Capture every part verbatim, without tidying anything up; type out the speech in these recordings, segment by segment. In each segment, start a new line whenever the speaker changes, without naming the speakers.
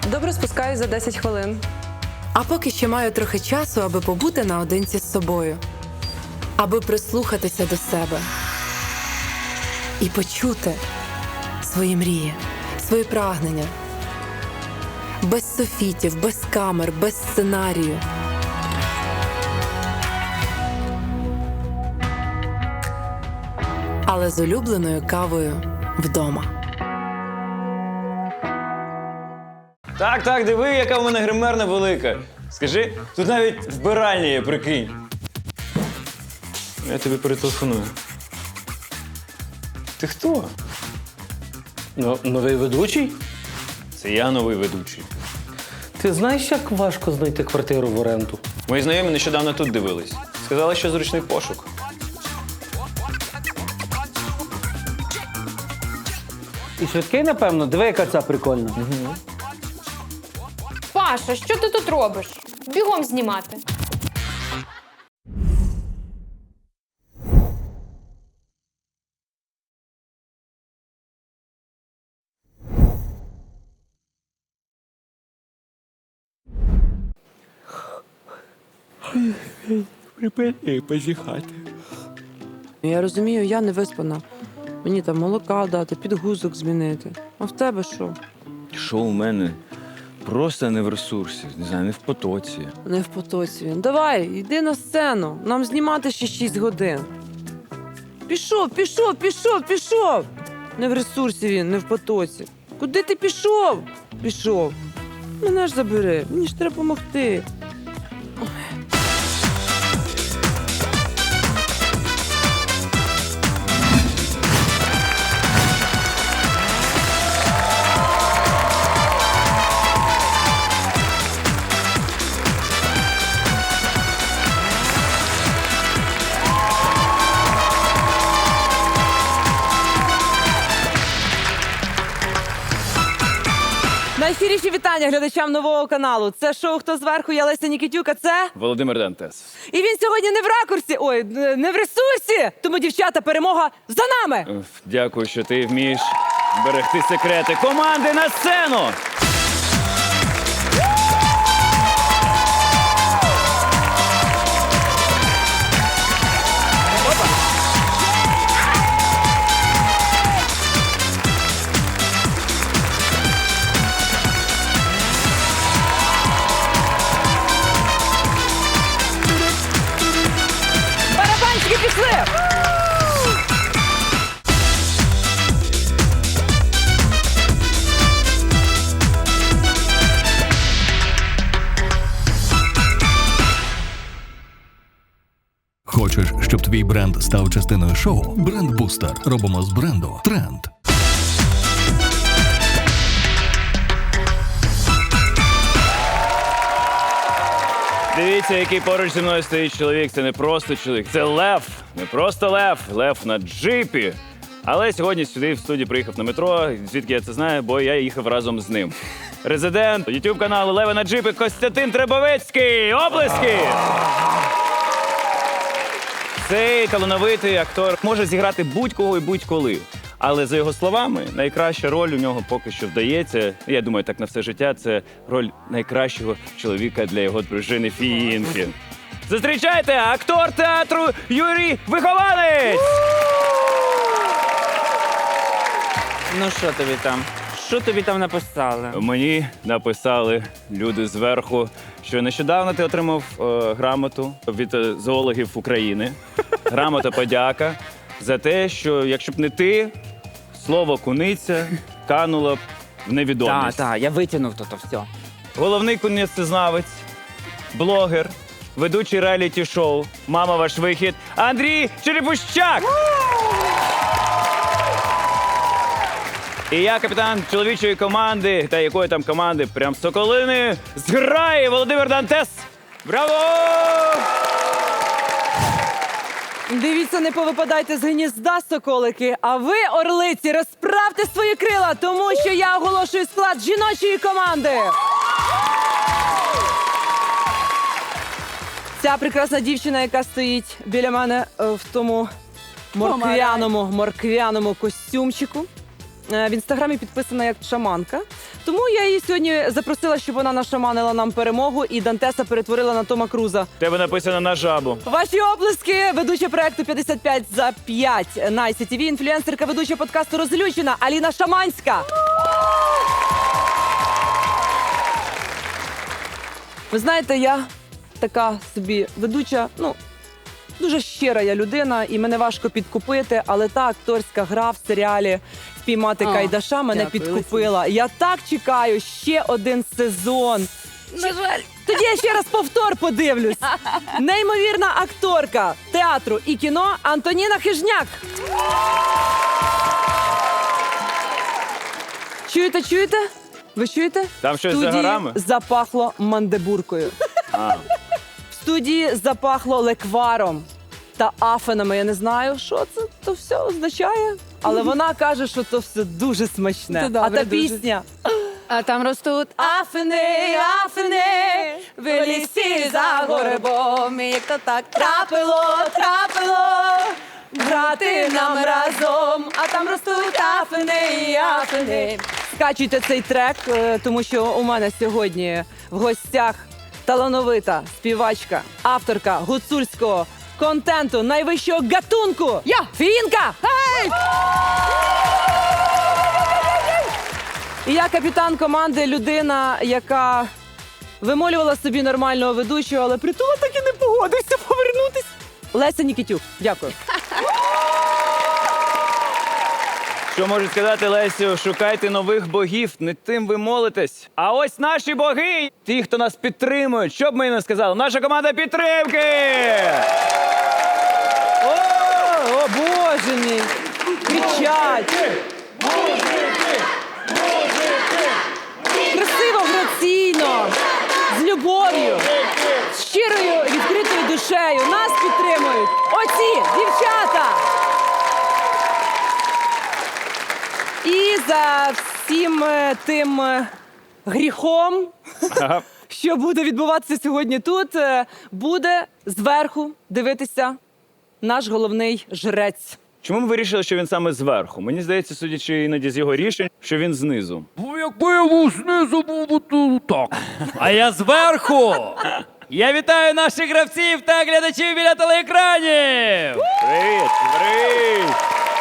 Добре спускаюсь за десять хвилин.
А поки ще маю трохи часу, аби побути наодинці з собою. Аби прислухатися до себе. І почути свої мрії, свої прагнення. Без софітів, без камер, без сценарію. Але з улюбленою кавою вдома.
Так, так, диви, яка в мене гримерна велика. Скажи, тут навіть вбиральня є, прикинь. Я тобі перетелефоную. Ти хто?
Ну, новий ведучий?
Це я новий ведучий.
Ти знаєш, як важко знайти квартиру в оренду?
Мої знайомі нещодавно тут дивились. Сказали, що зручний пошук.
І швидкий, напевно, диви, яка ця прикольна. Угу.
Паша, що ти тут робиш? Бігом знімати.
Припини позіхати.
Я розумію, я не виспана. Мені там молока дати, підгузок змінити. А в тебе що?
Що у мене? Просто не в ресурсі, не знаю, не в потоці.
Не в потоці він. Давай, йди на сцену. Нам знімати ще шість годин. Пішов, пішов, пішов, пішов. Не в ресурсі він, не в потоці. Куди ти пішов? Пішов. Мене ж забери, мені ж треба допомогти. Найщиріші вітання глядачам нового каналу. Це шоу «Хто зверху?» Я Леся Нікітюк, а це...
Володимир Дантес.
І він сьогодні не в ракурсі, ой, не в ресурсі. Тому, дівчата, перемога за нами!
Уф, Дякую, що ти вмієш берегти секрети. Команди на сцену!
Барабанчики пішли!
Хочеш, щоб твій бренд став частиною шоу? Бренд-бустер. Робимо з бренду тренд.
Дивіться, який поруч зі мною стоїть чоловік. Це не просто чоловік, це лев. Не просто лев, лев на джипі. Але сьогодні сюди в студію приїхав на метро. Звідки я це знаю, бо я їхав разом з ним. Резидент ютуб каналу Леви на джипі Костянтин Требовецький. Оплески! Цей талановитий актор може зіграти будь-кого і будь-коли. Але за його словами, найкраща роль у нього поки що вдається, я думаю, так на все життя, це роль найкращого чоловіка для його дружини Фіїнки. Зустрічайте, актор театру Юрій Вихованець!
Ну що тобі там? Що тобі там написали?
Мені написали люди зверху, що нещодавно ти отримав е, грамоту від е, зоологів України. Грамота подяка за те, що якщо б не ти, слово куниця кануло б в невідомість.
Так, так, я витягнув то все.
Головний кунецезнавець, блогер, ведучий реаліті-шоу «Мама, ваш вихід» Андрій Черепущак! І я капітан чоловічої команди, та якої там команди, прям Соколини, зграє Володимир Дантес. Браво!
Дивіться, не повипадайте з гнізда, соколики, а ви, орлиці, розправте свої крила, тому що я оголошую склад жіночої команди. Ця прекрасна дівчина, яка стоїть біля мене е, в тому морквяному, морквяному костюмчику.
е, в інстаграмі підписана як шаманка. Тому я її сьогодні запросила, щоб вона нашаманила нам перемогу і Дантеса перетворила на Тома Круза.
В Тебе написано на жабу.
Ваші оплески, ведуча проекту п'ятдесят п'ять за п'ять на ай сі ті ві, інфлюенсерка, ведуча подкасту «Розлючена» Аліна Шаманська. Ви знаєте, я така собі ведуча, ну, дуже щира я людина, і мене важко підкупити, але та акторська гра в серіалі «Впіймати
О,
Кайдаша» мене
дякую,
підкупила. Я так чекаю ще один сезон. На жаль. Тоді я ще раз повтор подивлюсь. Неймовірна акторка театру і кіно Антоніна Хижняк. Чуєте, чуєте? Ви чуєте?
Там щось
В
за
студії
горами?
запахло мандебуркою.
А.
В студії запахло лекваром та афенами. Я не знаю, що це то все означає, але вона каже, що то все дуже смачне.
Це добре,
а та
дуже.
пісня
А там ростуть
Афини, афини, в лісі за горбом. І як то так трапило, трапило, грати нам разом. А там ростуть афини, афини. Скачуйте цей трек, е, тому що у мене сьогодні в гостях талановита співачка, авторка гуцульського контенту найвищого гатунку. Я! Фінка! Гей! І я капітан команди, людина, яка вимолювала собі нормального ведучого, але притула так і не погодився повернутись. Леся Нікітюк. Дякую.
Що можу сказати, Лесю? Шукайте нових богів, не тим ви молитесь. А ось наші боги, ті, хто нас підтримують. Що б ми не сказали? Наша команда підтримки!
О, о Боже мій! Кричать! Красиво, граційно, з любов'ю, з щирою, відкритою душею. Нас підтримують оці дівчата! І за всім е, тим е, гріхом,
Ага.
що буде відбуватися сьогодні тут, е, буде зверху дивитися наш головний жрець.
Чому ми вирішили, що він саме зверху? Мені здається, судячи іноді з його рішень, що він знизу.
Якби я був знизу, був би то так. А я зверху. Я вітаю наших гравців та глядачів біля телеекранів.
Привіт! Привіт!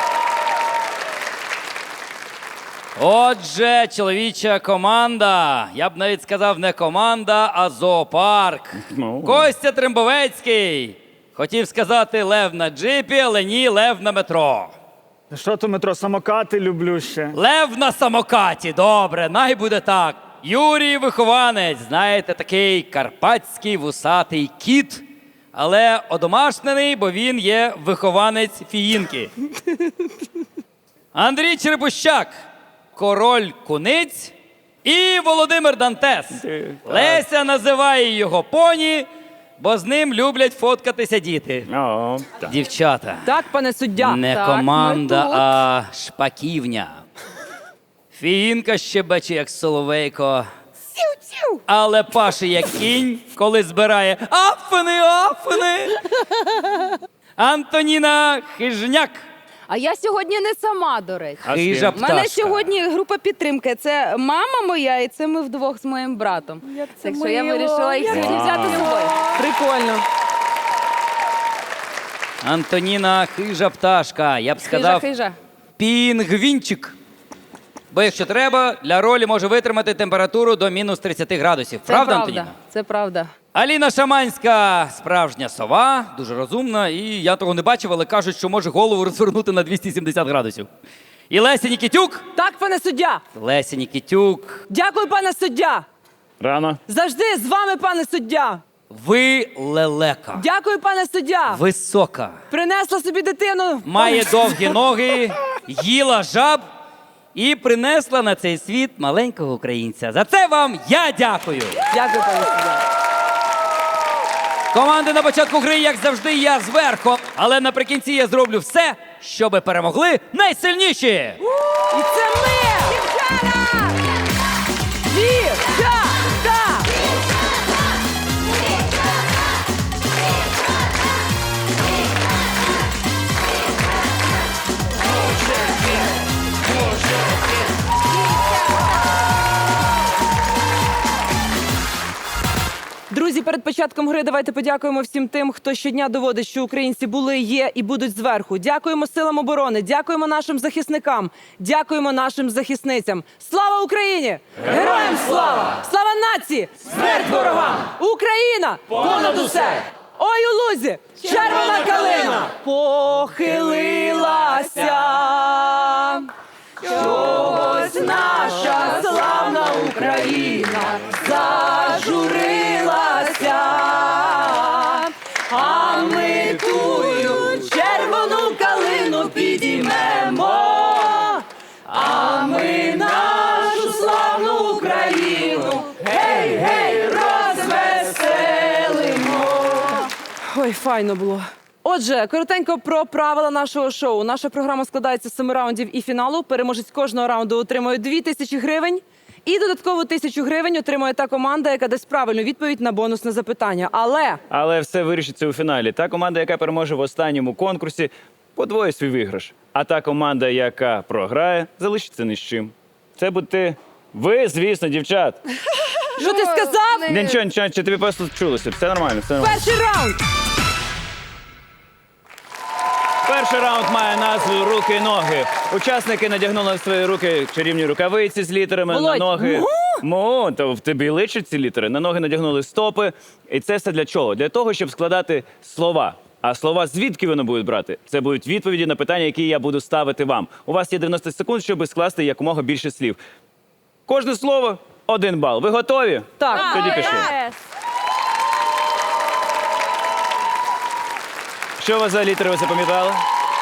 Отже, чоловіча команда. Я б навіть сказав не команда, а зоопарк.
Ну.
Костя Трембовецький. Хотів сказати лев на джипі, але ні, лев на метро.
Що то метро, самокати люблю ще.
Лев на самокаті, добре, най буде так. Юрій Вихованець, знаєте, такий карпатський вусатий кіт, але одомашнений, бо він є вихованець фіїнки. Андрій Черепущак, король куниць і Володимир Дантес. Леся називає його поні, бо з ним люблять фоткатися діти.
О, так.
Дівчата.
Так, пане суддя?
Не
Так,
команда,
ми тут.
а шпаківня. Фіїнка щебече, як соловейко. Але паше, як кінь, коли збирає афини, афини. Антоніна Хижняк.
А я сьогодні не сама, до речі.
А з
Хижа
ким?
У мене
пташка.
сьогодні група підтримки. Це мама моя, і це ми вдвох з моїм братом. Так що я вирішила їх сьогодні взяти з собою.
Прикольно.
Антоніна Хижа пташка. Я б сказав,
Хижа, хижа.
пінгвінчик. Бо якщо треба, для ролі може витримати температуру до мінус тридцять градусів.
Це
Правда,
правда.
Антоніна?
Це правда.
Аліна Шаманська, справжня сова, дуже розумна, і я того не бачив, але кажуть, що може голову розвернути на двісті сімдесят градусів. І Леся Нікітюк.
Так, пане суддя.
Леся Нікітюк,
Дякую, пане суддя.
Рано.
Завжди з вами, пане суддя.
ви лелека.
Дякую, пане суддя.
Висока.
Принесла собі дитину.
Має довгі ноги, їла жаб і принесла на цей світ маленького українця. За це вам я дякую.
Дякую, пане суддя.
Команди на початку гри, як завжди, я зверху. Але наприкінці я зроблю все, щоби перемогли найсильніші.
І це ми! Дівчата! Дівчата!
Може,
перед початком гри давайте подякуємо всім тим, хто щодня доводить, що українці були, є і будуть зверху. Дякуємо силам оборони, дякуємо нашим захисникам, дякуємо нашим захисницям. Слава Україні! Героям слава! Слава нації! Смерть ворогам! Україна! Понад усе! Ой, у лузі! Червона калина! Похилилася! Чогось наша славна Україна зажурилася, а ми тую червону калину підіймемо, а ми нашу славну Україну гей, гей, розвеселимо. Ой, файно було. Отже, коротенько про правила нашого шоу. Наша програма складається з семи раундів і фіналу. Переможець кожного раунду отримує дві тисячі гривень. І додаткову тисячу гривень отримує та команда, яка дасть правильну відповідь на бонусне запитання. Але
Але все вирішиться у фіналі. Та команда, яка переможе в останньому конкурсі, подвоїть свій виграш. А та команда, яка програє, залишиться ні з чим. Це будете ви, звісно, дівчат.
що ти сказав?
Ні, Нічого, нічого, чи тобі просто чулося. Все нормально, все нормально.
Перший раунд!
Перший раунд має назву «Руки і ноги». Учасники надягнули в свої руки чарівні рукавиці з літерами,
Володь,
на ноги.
му?
Му, то в тобі личать ці літери. На ноги надягнули стопи. І це все для чого? Для того, щоб складати слова. А слова звідки вони будуть брати? Це будуть відповіді на питання, які я буду ставити вам. У вас є дев'яносто секунд, щоб скласти якомога більше слів. Кожне слово – один бал. Ви готові?
Так.
Тоді пішли. Що у вас за літери ви запам'ятали?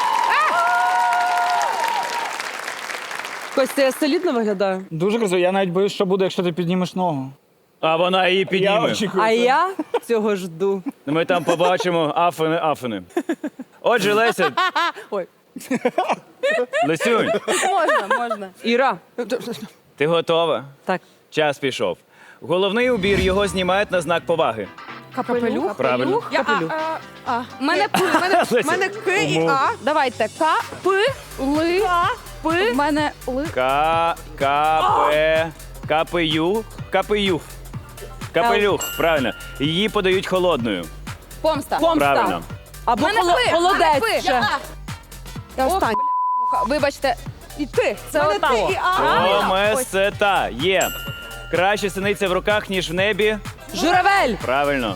Костя, я солідно виглядаю?
Дуже красиво. Я навіть боюсь, що буде, якщо ти піднімеш ногу.
А вона її
Я
підніме.
очікую.
А
це.
я цього жду.
Ми там побачимо афини, афини. Отже, Леся.
Ой.
Лесюнь,
Можна, можна. Іра.
ти готова?
Так.
Час пішов. Головний убір його знімають на знак поваги.
Капелюх?
Правильно.
Капелюх.
У мене П, в мене, в мене К і
Умов.
А. Давайте. К, П, Ли, П. В мене Ли.
К, К, П, КПЮ, КПЮ. Капелюх, правильно. Її подають холодною.
Помста.
Помста.
Правильно.
Або
В мене
холо-
П, в мене
холодець
П.
ще.
Я Я останній. Вибачте. І ти. Це
мене
отак.
Т і А.
Омесета. Є. Краще синиця в руках, ніж в небі.
Журавель.
Правильно.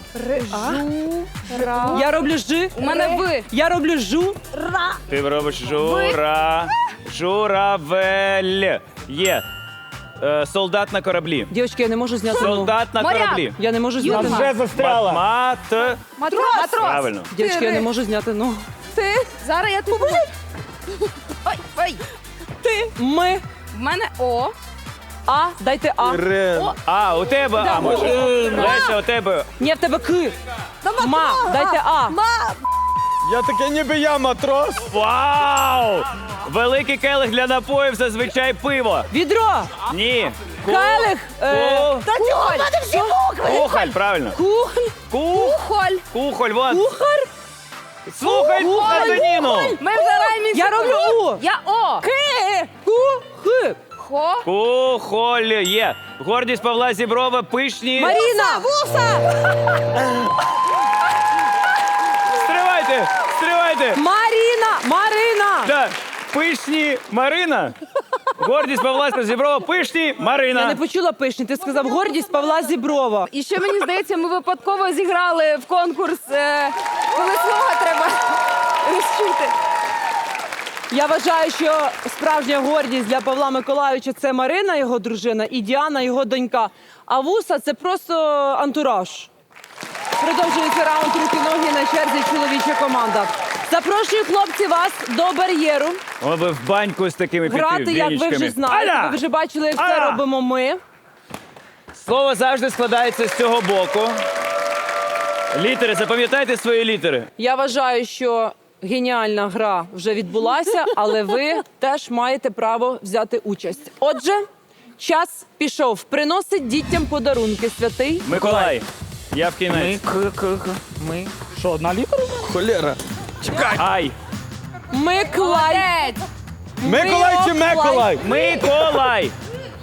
Я роблю жи.
У мене Ви.
Я роблю жу.
Ти робиш жура. Журавель. Є. Е, солдат на кораблі.
Дівчатки, я не можу зняти ногу.
Солдат на
Моряк.
кораблі.
Я не можу зняти
Там
ногу.
вже застряла.
Мат.
Матрос. Матрос.
Правильно.
Дівчатки, я не можу зняти ногу.
Ти. Зараз я тобі поможу. Ой, ой.
Ти. Ми.
В мене О.
А. Дайте А.
О.
А, у тебе А, може. Леся, у тебе.
Ні, в тебе К.
Та матрос.
Ма. Дайте А.
Ма.
Я таке ніби я матрос.
Вау! Великий келих для напоїв, зазвичай пиво.
Відро.
Ні. Ку-
Келих. Е,
ку-
Та чого? В мене всі букви.
Кухоль, правильно.
Кухоль.
Ку-
Холь.
Кухоль, вот.
Кухар.
Слухай, Антоніну.
Ми вже раймі.
Я роблю У.
Я О.
К. Ку. Х.
Хо.
Кухоль є. Гордість Павла Зіброва, пишні.
Маріна.
Вуса.
Стривайте, стривайте.
Маріна. Марина.
Да. Пишні Марина. Гордість Павла Зіброва, пишні
Я
Марина.
не почула пишні. Ти сказав гордість Павла Зіброва.
І ще мені здається, ми випадково зіграли в конкурс, е, коли слово треба розчути.
Я вважаю, що справжня гордість для Павла Миколайовича – це Марина, його дружина, і Діана, його донька. А вуса – це просто антураж. Продовжується раунд руки-ноги, на черзі чоловіча команда. Запрошую, хлопці, вас до бар'єру.
О, ви в баньку з такими
Грати, як ви вже знаєте.
Аля!
Ви вже бачили, як це
Аля!
робимо ми.
Слово завжди складається з цього боку. Літери, запам'ятайте свої літери.
Я вважаю, що геніальна гра вже відбулася, але ви теж маєте право взяти участь. Отже, час пішов. Приносить дітям подарунки святий
Миколай. Я в кінець.
Ми. Що, одна літера?
Холєра.
Ай.
Миколай.
Миколай чи Миколай?
Миколай.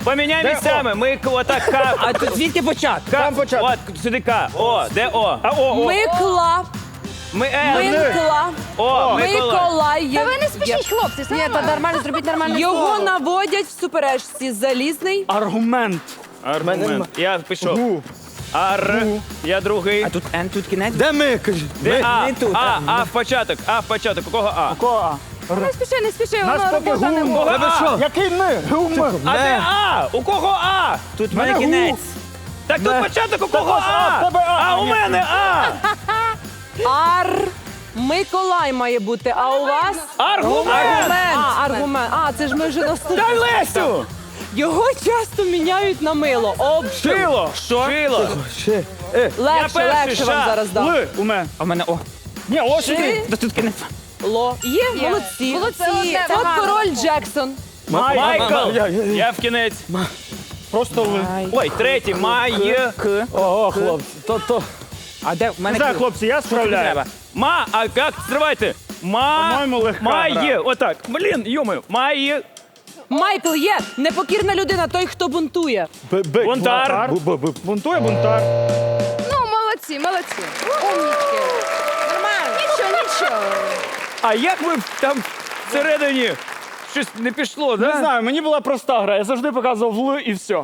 Поміняй місцями. Ми к- отак К.
А тут звідки почати?
К.
Там початок.
От, сюди К. О, де О?
А, о, о.
Микла.
Ми Л.
Микла.
О, Микола.
Миколай.
Та ви не спішіть, хлопці, все
Ні, та
нормально.
нормально, зробіть нормальне
Його
слово.
наводять в суперечці залізний.
Аргумент.
Аргумент. Я пішов.
Гу.
Ар. Я другий.
А тут Н, тут кінець.
Де ми, кажи?
Де А?
не тут,
А,
а.
А в початок. А в початок. У кого А?
Ко, а.
Не спіши, не спіши,
Нас
воно
поки
робота не
гум.
може.
Та ви що?
Який ми? Гум.
А де А? У кого А?
Тут в
Мене
мене кінець.
гу.
Так тут початок, у кого
А, в
А?
тебе А.
А у мене А.
Ар. Миколай має бути, а у вас?
Аргумент.
А, аргумент. А, це ж ми вже наступили.
Дай Лесю.
Його часто міняють на мило. Об.
Шило. Що? Шило.
Ще. Е.
Легше,
перший,
легше вам
ша.
зараз дам.
Ли. У мене.
А в мене О.
Ні, ось сюди.
Та тут кінець.
Ло. Є,
Є.
молодці.
Молодці, це
От
гарно.
король Джексон.
Майкл.
Я- я-
Я в кінець.
Просто ли.
Ой, третій. Май.
К.
Ого, хлопці. То, то.
А де в
Не
мене
знаю,
К?
хлопці, я
Що тобі
справляю.
треба?
Ма, а як? Стривайте. Ма.
По-моєму, легка
Має.
гра.
Отак. Блін, йомаю. Має.
Майкл є. Непокірна людина, той, хто бунтує.
Б- бик,
Бунтар.
Бу- бу- бу- Бунтує бунтар.
Ну, молодці, молодці. Умнічки. Нормально. Нічого, нічого.
А як ви там всередині щось не пішло, да?
Не знаю, мені була проста гра. Я завжди показував Л і все.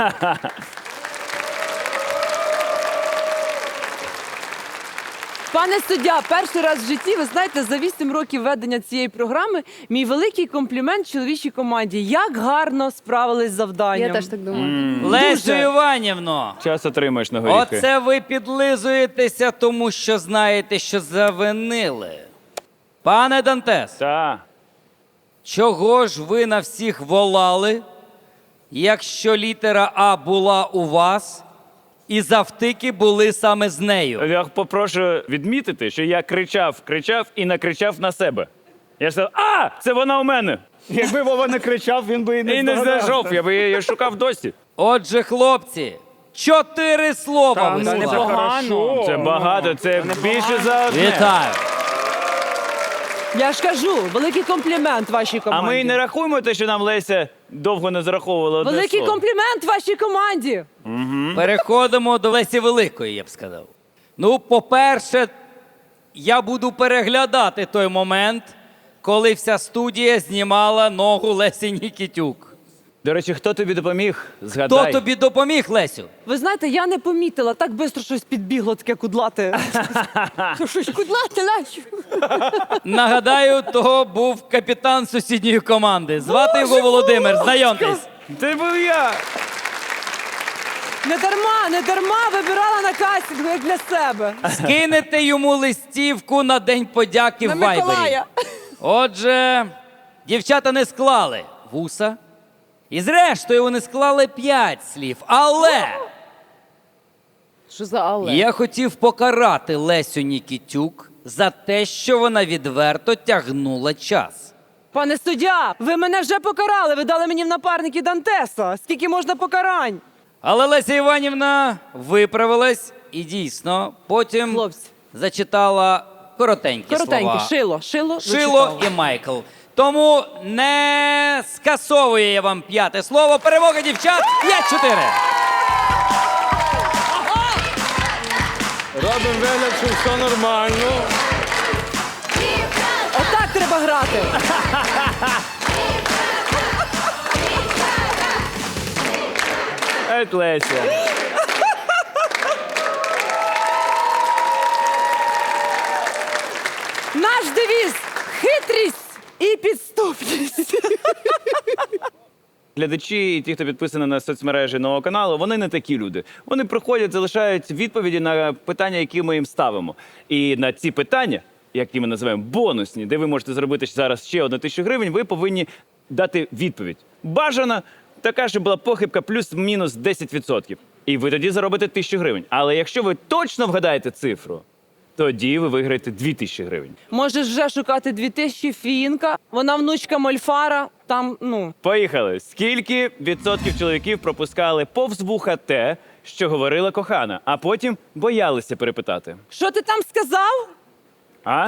Пане суддя, перший раз в житті, ви знаєте, за вісім років ведення цієї програми мій великий комплімент чоловічій команді. Як гарно справились з завданням.
Я теж так думаю.
Лесю Іванівно,
Час отримаєш на горіхи.
оце ви підлизуєтеся, тому що знаєте, що завинили. Пане Дантес,
Та.
чого ж ви на всіх волали, якщо літера А була у вас і завтики були саме з нею?
Я попрошу відмітити, що я кричав, кричав і накричав на себе. Я сказав, а, це вона у мене.
Якби Вова не кричав, він би і не
І не
здогадався.
знайшов, я би її шукав досі.
Отже, хлопці, чотири слова
Та,
ви
ну,
склали.
непогано.
Це багато, це більше за одне.
Вітаю.
Я ж кажу, великий комплімент вашій
А
команді.
ми і не рахуємо те, що нам Леся довго не зараховувала одне
Великий
слово.
комплімент вашій команді.
Переходимо до Лесі Великої, я б сказав. Ну, по-перше, я буду переглядати той момент, коли вся студія знімала ногу Лесі Нікітюк.
До речі, хто тобі допоміг?
Хто
Згадай.
тобі допоміг, Лесю?
Ви знаєте, я не помітила, так швидко щось підбігло таке кудлате.
Щось кудлати, лачу.
Нагадаю, того був капітан сусідньої команди. Звати його Володимир. Знайомтесь.
Це був я.
Не дарма, не дарма вибирала на кастингу, як для себе.
Скинете йому листівку на День подяки
На
в Вайбері.
Миколая.
Отже, дівчата не склали вуса. І зрештою вони склали п'ять слів. Але
Що за але?
я хотів покарати Лесю Нікітюк за те, що вона відверто тягнула час.
Пане суддя, ви мене вже покарали, ви дали мені в напарники Дантеса. Скільки можна покарань?
Але Леся Іванівна виправилась і дійсно потім
Хлопці.
зачитала коротенькі,
Коротенько,
слова.
шило, шило,
Шило
зачитала.
і Майкл. Тому не скасовую я вам п'яте слово. Перемога дівчат п'ять-чотири.
Робимо вигляд, що все нормально.
Отак треба грати.
Ет Леся.
Наш девіз – хитрість і підступність.
Глядачі і ті, хто підписаний на соцмережі нового каналу, вони не такі люди. Вони приходять, залишають відповіді на питання, які ми їм ставимо. І на ці питання, які ми називаємо бонусні, де ви можете зробити зараз ще одну тисячу гривень, ви повинні дати відповідь. Бажана така, щоб була похибка плюс-мінус десять відсотків. І ви тоді заробите тисячу гривень. Але якщо ви точно вгадаєте цифру, тоді ви виграєте дві тисячі гривень.
Можеш вже шукати дві тисячі фінка. Вона внучка Мольфара. Там, ну,
Поїхали. Скільки відсотків чоловіків пропускали повз вуха те, що говорила кохана, а потім боялися перепитати?
що ти там сказав?
А?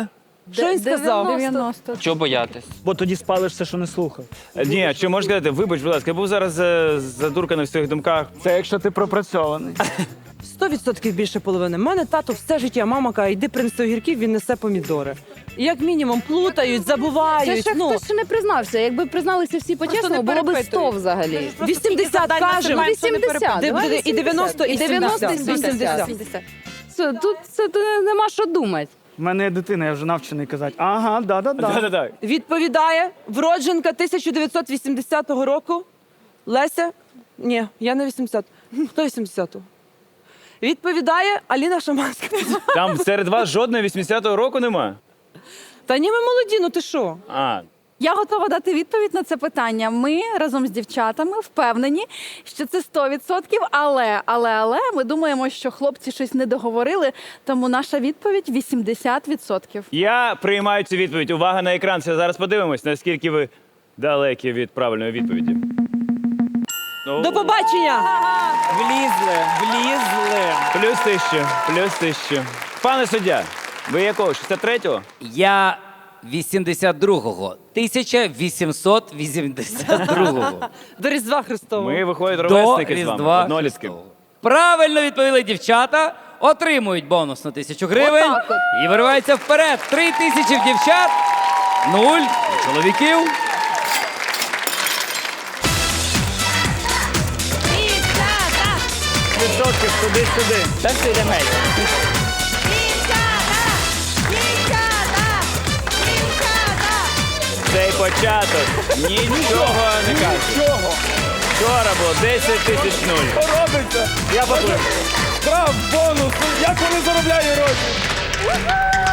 Що він сказав?
дев'яносто.
Чого боятись?
Бо тоді спалиш все, що не слухав.
Е, Ні, що можеш сказати? Вибач, будь ласка, я був зараз е, задурканий в своїх думках.
Це якщо ти пропрацьований.
Сто відсотків більше половини. У мене тато все життя, мама каже, йди принеси огірків, він несе помідори. І як мінімум плутають,
Це
забувають.
ще
ну,
хтось ще не признався. Якби призналися всі по-чесному, було б сто взагалі.
вісімдесят кажемо.
вісімдесят.
Де-
давай
де- і дев'яносто, і
І дев'яносто, і
сімдесят.
вісімдесят. Це, тут це, тут нема що думати.
У мене є дитина, я вже навчений казати. Ага, да-да-да.
Да-да-да.
Відповідає вродженка тисяча дев'ятсот вісімдесятого року. Леся. Ні, я не вісімдесят. Хто вісімдесятого? Відповідає Аліна Шаманська.
Там серед вас жодного вісімдесятого року нема?
Та ні, ми молоді, ну ти що?
А,
Я готова дати відповідь на це питання. Ми разом з дівчатами впевнені, що це сто відсотків, але, але, але ми думаємо, що хлопці щось не договорили, тому наша відповідь вісімдесят відсотків.
я приймаю цю відповідь. Увага на екран. Це зараз подивимось, наскільки ви далекі від правильної відповіді. Ну,
До побачення!
Влізли, влізли.
Плюс тисячу, плюс тисячу. Пане суддя, ви якого? шістдесят третього?
Я вісімдесят другого. тисяча вісімсот вісімдесят другого.
До Різдва Христового.
Ми виходить
До
ровесники з вами.
Різдва
Однолітки.
Христового. Правильно відповіли дівчата, отримують бонус на тисячу гривень
Отак от.
і вириваються вперед. Три тисячі в дівчат, нуль у чоловіків.
Відсотків туди-сюди.
Та все йде меч.
Цей початок нічого не каже.
Чого?
Вчора було десять тисяч нуль.
Що робиться? Я поплив. Штраф, бонус. Як вони заробляють гроші?